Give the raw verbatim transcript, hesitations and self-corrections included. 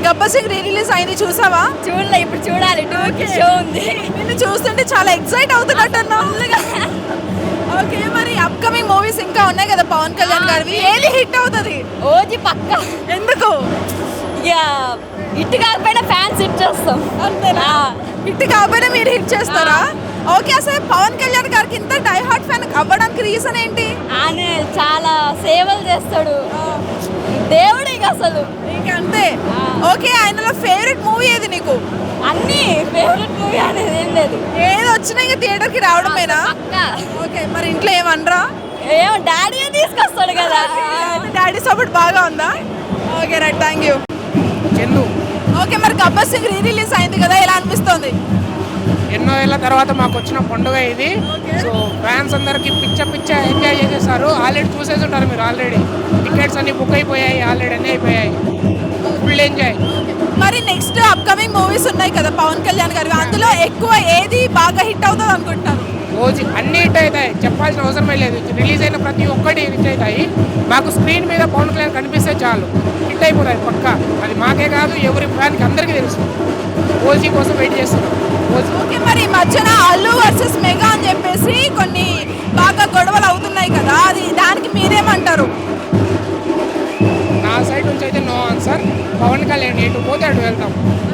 Gabbar Singh re release అయింది, చూసావా? చూడలే, ఇప్పుడు చూడాలి. టూ షో ఉంది. నిన్ను చూస్తుంటే చాలా ఎక్సైట్ అవుతున్నట్టున్నా. ఓకే, మరి అప్కమింగ్ మూవీస్ ఇంకా ఉన్నాయి కదా పవన్ కళ్యాణ్ గారివి, ఏది హిట్ అవుతుంది? ఓజీ పక్క. ఎందుకు? ఇక ఇటు కాకపోయినా ఫ్యాన్స్ హిట్ చేస్తాం. అంతేనా? హిట్ కాకపోయినా మీరు హిట్ చేస్తారా? ఓకే, అసలు పవన్ కళ్యాణ్ గారికి ఇంత డై హార్ట్ ఫ్యాన్ అవ్వడానికి రీజన్ ఏంటి? ఆయన చాలా సేవలు చేస్తాడు, దేవుడు ఇక అసలు ఇంకా అంతే. ఓకే, ఆయనలో ఫేవరెట్ మూవీ ఏది నీకు? అన్ని ఫేవరెట్ మూవీ అనేది ఏం లేదు, ఏది వచ్చినా ఇంకా థియేటర్కి రావడమేనా? ఓకే, మరి ఇంట్లో ఏమనరా? ఏమో డాడీ తీసుకొస్తాడు కదా. డాడీ సపోర్ట్ బాగా ఉందా? Okay right, thank you. Chandu. Okay, మరి గబ్బర్ సింగ్ రీ రిలీజ్ అయింది కదా, ఎలా అనిపిస్తుంది? ఎన్నో ఏళ్ళ తర్వాత మాకు వచ్చిన పండుగ ఇది. సో ఫ్యాన్స్ అందరికి పిచ్చ పిచ్చ ఎంజాయ్ చేసేసారు. ఆల్రెడీ చూసేసి ఉంటారు మీరు, ఆల్రెడీ టికెట్స్ అన్ని బుక్ అయిపోయాయి, ఆల్రెడీ అన్నీ అయిపోయాయి. Full enjoy. మరి నెక్స్ట్ అప్కమింగ్ మూవీస్ ఉన్నాయి కదా పవన్ కళ్యాణ్ గారు, అందులో ఎక్కువ ఏది బాగా హిట్ అవుతుంది అనుకుంటారు? రోజు అన్ని హిట్ అవుతాయి, చెప్పాల్సిన అవసరమే లేదు. రిలీజ్ అయిన ప్రతి ఒక్కటి హిట్ అవుతాయి. మాకు స్క్రీన్ మీద పవన్ కళ్యాణ్ కనిపిస్తే చాలు హిట్ అయిపోతాయి పక్కా. అది మాకే కాదు, ఎవరి ఫ్యాన్కి అందరికీ తెలుసు. ఓజీ కోసం వెయిట్ చేస్తున్నాం. ఓకే, మరి ఈ మధ్యన అల్లు వర్సెస్ మెగా అని చెప్పేసి కొన్ని బాగా గొడవలు అవుతున్నాయి కదా, అది దానికి మీరేమంటారు? నా సైడ్ నుంచి అయితే నో ఆన్సర్. పవన్ కళ్యాణ్ ఎటు పోతే అటు వెళ్తాం.